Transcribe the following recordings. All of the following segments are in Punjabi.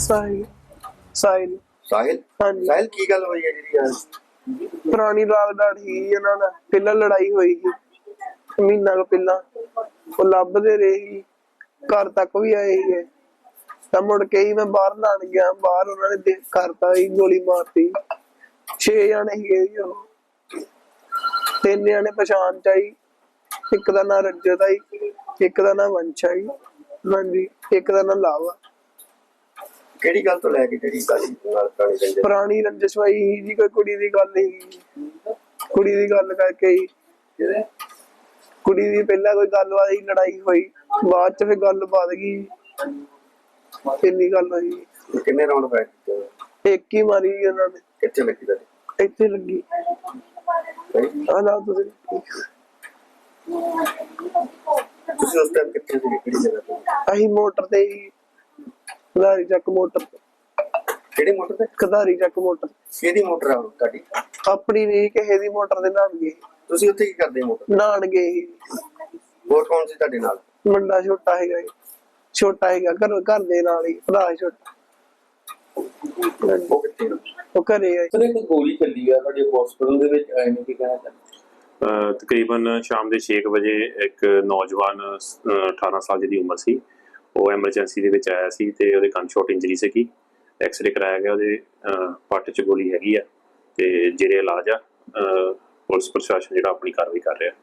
ਸਾਹਿਲ ਸਾਹਿਲ ਸਾਹਿਲ ਹਾਂਜੀ। ਸਾਹਿਲ ਕੀ ਗੱਲ ਹੋਈ ਹੈ ਜਿਹੜੀ ਅੱਜ? ਪੁਰਾਣੀ ਲਾਗਡਾਟ ਹੀ ਇਹਨਾਂ ਨਾਲ ਪਹਿਲਾਂ ਲੜਾਈ ਹੋਈ ਸੀ ਮਹੀਨਾ ਕੁ ਪਹਿਲਾਂ। ਉਹ ਲੱਭਦੇ ਰਹੇ ਸੀ, ਘਰ ਤੱਕ ਵੀ ਆਏ ਸੀਗੇ। ਤਾਂ ਮੁੜ ਕੇ ਹੀ ਮੈਂ ਬਾਹਰ ਲਾਣ ਗਿਆ, ਬਾਹਰ ਉਹਨਾਂ ਨੇ ਦੇਖ ਕਰਤਾ ਸੀ, ਗੋਲੀ ਮਾਰਤੀ। 6 ਜਾਣੇ ਸੀਗੇ ਜੀ ਉਹ। 3 ਜਾਣੇ ਪਛਾਣ ਚ ਆਈ, ਇੱਕ ਦਾ ਨਾਂ ਰਜਤ ਆਈ, ਇੱਕ ਦਾ ਨਾਂ ਵੰਸ਼ ਆਈ, ਹਾਂਜੀ, ਇੱਕ ਦਾ ਨਾਂ ਲਾਵਾ। ਕਿਹੜੀ ਗੱਲ ਤੋਂ ਲੈ ਕੇ ਜਿਹੜੀ ਗੱਲ ਨਾਲ ਪੁਰਾਣੀ ਰੰਜਿਸ਼? ਪੁਰਾਣੀ ਰੰਜਿਸ਼ ਹੋਈ ਸੀ ਜੀ, ਕੋਈ ਕੁੜੀ ਦੀ ਗੱਲ ਸੀ, ਕੁੜੀ ਦੀ ਗੱਲ ਕਰਕੇ ਹੀ ਕੁੜੀ ਦੀ ਪਹਿਲਾਂ ਕੋਈ ਗੱਲਬਾਤ ਸੀ, ਲੜਾਈ ਹੋਈ, ਬਾਅਦ ਚ ਫਿਰ ਗੱਲ ਵੱਧ ਗਈ, ਇੰਨੀ ਗੱਲ ਹੋਈ। ਕਿੰਨੇ ਰਾਉਂਡ ਫਾਇਰ ਕੀਤੇ? ਇੱਕ ਹੀ ਮਾਰੀ ਉਹਨਾਂ ਨੇ। ਕਿੱਥੇ ਲੱਗੀ ਤੁਹਾਡੇ? ਇੱਥੇ ਲੱਗੀ। ਆਲਾ ਤੁਸੀਂ ਤੁਸੀਂ ਉਸ ਟਾਈਮ ਕਿੱਥੇ ਸੀ, ਕਿਹੜੀ ਜਗ੍ਹਾ ਤੇ? ਅਸੀਂ ਮੋਟਰ ਤੇ ਹੀ, ਖਦਾਰੀ ਚੱਕ ਮੋਟਰ ਤੇ। ਕਿਹੜੀ ਮੋਟਰ ਤੇ? ਖਦਾਰੀ ਚੱਕ ਮੋਟਰ। ਕਿਹਦੀ ਮੋਟਰ ਆ ਤੁਹਾਡੀ? ਆਪਣੀ ਨਹੀਂ, ਕਿਸੇ ਦੀ ਮੋਟਰ ਦੇ ਨਾਲ ਗਏ। ਤੁਸੀਂ ਉੱਥੇ ਕੀ ਕਰਦੇ ਮੋਟਰ? ਨਾਨ ਗਏ ਸੀ। ਹੋਰ ਕੌਣ ਸੀ ਤੁਹਾਡੇ ਨਾਲ? ਮੁੰਡਾ ਛੋਟਾ ਹੈਗਾ ਜੀ, ਛੋਟਾ ਹੈਗਾ, ਘਰ ਦੇ ਨਾਲ ਹੀ ਭਰਾ ਛੋਟਾ। ਉਹ ਕਿੱਥੇ? ਉਹ ਘਰੇ ਆ। ਸਰ ਇੱਕ ਗੋਲੀ ਚੱਲੀ ਆ ਤੁਹਾਡੇ ਹਸਪੀਟਲ ਦੇ ਵਿੱਚ, ਆਏ ਨੇ ਕੀ ਕਹਿਣਾ ਚਾਹੁੰਦੇ? ਤਕਰੀਬਨ ਸ਼ਾਮ ਦੇ 6 ਵਜੇ ਇੱਕ ਨੌਜਵਾਨ 18 ਸਾਲ ਦੀ ਉਮਰ ਸੀ, ਉਹ ਐਮਰਜੈਂਸੀ ਦੇ ਵਿੱਚ ਆਇਆ ਸੀ ਤੇ ਉਹਦੇ ਕੰਨ ਸ਼ਾਟ ਇੰਜਰੀ ਸੀਗੀ। ਐਕਸਰੇ ਕਰਾਇਆ ਗਿਆ, ਉਹਦੇ ਪੱਟ 'ਚ ਗੋਲੀ ਹੈਗੀ ਆ ਤੇ ਜਿਹੜੇ ਇਲਾਜ ਆ ਪੁਲਿਸ ਪ੍ਰਸ਼ਾਸਨ ਜਿਹੜਾ ਆਪਣੀ ਕਾਰਵਾਈ ਕਰ ਰਿਹਾ।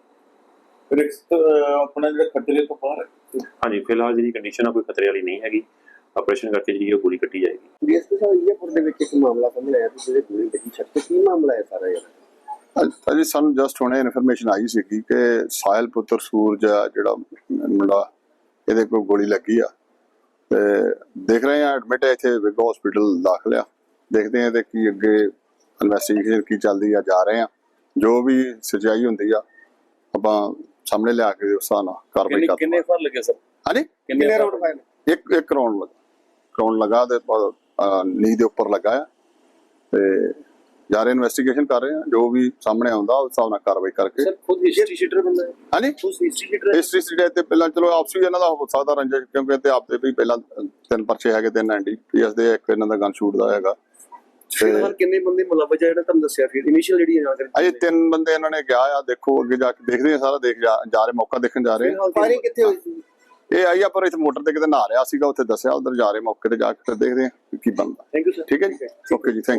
ਆਪਣਾ ਜਿਹੜਾ ਖਤਰੇ ਤੋਂ ਬਾਹਰ ਹੈ? ਹਾਂਜੀ, ਫਿਲਹਾਲ ਜਿਹੜੀ ਕੰਡੀਸ਼ਨ ਆ ਕੋਈ ਖਤਰੇ ਵਾਲੀ ਨਹੀਂ ਹੈਗੀ। ਆਪਰੇਸ਼ਨ ਕਰਕੇ ਜਿਹੜੀ ਉਹ ਗੋਲੀ ਕੱਟੀ ਜਾਏਗੀ। ਡੀਐਸਪੀ ਸਾਹਿਬ ਈਆਪੁਰ ਦੇ ਵਿੱਚ ਇੱਕ ਮਾਮਲਾ ਸਾਹਮਣੇ ਆਇਆ ਸੀ ਜਿਹਦੇ ਗੋਲੀ ਲੱਗੀ ਛੱਤ ਤੇ, ਕੀ ਮਾਮਲਾ ਹੈ ਸਾਰਾ ਯਾਰ? ਅਜੀ ਸਾਨੂੰ ਜਸਟ ਹੁਣੇ ਇਨਫੋਰਮੇਸ਼ਨ ਆਈ ਸੀ ਕਿ ਸਾਹਿਲ ਪੁੱਤਰ ਸੂਰਜ ਆ ਜਿਹੜਾ ਮੁੰਡਾ, ਇਹਦੇ ਕੋਲ ਗੋਲੀ ਲੱਗੀ ਆ ਤੇ ਦੇਖ ਰਹੇ ਆ ਐਡਮਿਟ ਹੈ ਇੱਥੇ ਵਿਗ ਹਸਪੀਟਲ ਦਾਖਲ ਆ। ਦੇਖਦੇ ਆ ਤੇ ਕੀ ਅੱਗੇ ਇਨਵੈਸਟੀਗੇਸ਼ਨ ਕੀ ਚੱਲਦੀ ਆ, ਜਾ ਰਹੇ ਆ ਜੋ ਵੀ ਸਚਾਈ ਹੁੰਦੀ ਆ ਆਪਾਂ ਸਾਹਮਣੇ ਲਿਆ ਕੇ ਉਸ ਹਿਸਾਬ ਨਾਲ ਕਾਰਵਾਈ ਕਰਦੇ। ਕਿੰਨੇ ਫਰ ਲੱਗੇ ਸਰ? ਹਾਂਜੀ, ਕਿੰਨੇ ਰਾਉਂਡ ਫਾਇਰ? ਇੱਕ ਰਾਉਂਡ ਲਗਾ ਤੇ ਨੀ ਦੇ ਉੱਪਰ ਲੱਗਾ ਆ ਤੇ ਜਾ ਰਹੇ ਇਨਵੈਸਟੀਗੇਸ਼ਨ ਕਰ ਰਹੇ ਆ, ਜੋ ਵੀ ਸਾਹਮਣੇ ਆਉਂਦਾ ਉਸ ਹਿਸਾਬ ਨਾਲ ਕਾਰਵਾਈ ਕਰਕੇ। ਸਰ ਖੁਦ ਹਿਸਟਰੀ ਸ਼ੀਟਰ ਬੰਦਾ ਹੈ? ਹਾਂਜੀ, ਖੁਦ ਹਿਸਟਰੀ ਸ਼ੀਟਰ? ਹਿਸਟਰੀ ਸੀਟ ਤੇ ਪਹਿਲਾਂ ਚਲੋ ਆਪਸੀ ਇਹਨਾਂ ਦਾ ਹੋ ਸਕਦਾ ਰੰਜਿਸ਼, ਕਿਉਂਕਿ ਤੇ ਆਪਦੇ ਵੀ ਪਹਿਲਾਂ 3 ਪਰਚੇ ਹੈਗੇ, 3 NDPS ਦੇ, ਇੱਕ ਇਹਨਾਂ ਦਾ ਗਨ ਸ਼ੂਟ ਦਾ ਹੈਗਾ। ਫਿਲਹਾਲ ਕਿੰਨੇ ਬੰਦੇ ਮੁਲਵਜ ਆ ਜਿਹੜਾ ਤੁਹਾਨੂੰ ਦੱਸਿਆ? ਫਿਰ ਇਨੀਸ਼ੀਅਲ ਜਿਹੜੀ ਜਾਣਕਾਰੀ ਅਜੇ 3 ਬੰਦੇ ਇਹਨਾਂ ਨੇ ਗਿਆ ਆ, ਦੇਖੋ ਅੱਗੇ ਜਾ ਕੇ ਦੇਖਦੇ ਆ, ਸਾਰਾ ਦੇਖ ਜਾ ਰਹੇ, ਮੌਕਾ ਦੇਖਣ ਜਾ ਰਹੇ। ਫਾਇਰਿੰਗ ਕਿੱਥੇ ਹੋਈ ਸੀ? ਇਹ ਆਈ ਆ ਪਰ ਇੱਥੇ ਮੋਟਰ ਤੇ ਕਿਤੇ ਨਹਾ ਰਿਹਾ ਸੀਗਾ, ਉੱਥੇ ਦੱਸਿਆ, ਉਧਰ ਜਾ ਰਹੇ ਮੌਕੇ ਤੇ ਜਾ ਕੇ ਫਿਰ ਦੇਖਦੇ ਆ ਕੀ ਬਣਦਾ। Thank you sir. ਠੀਕ ਹੈ ਜੀ, ਓਕੇ ਜੀ, ਥੈਂਕ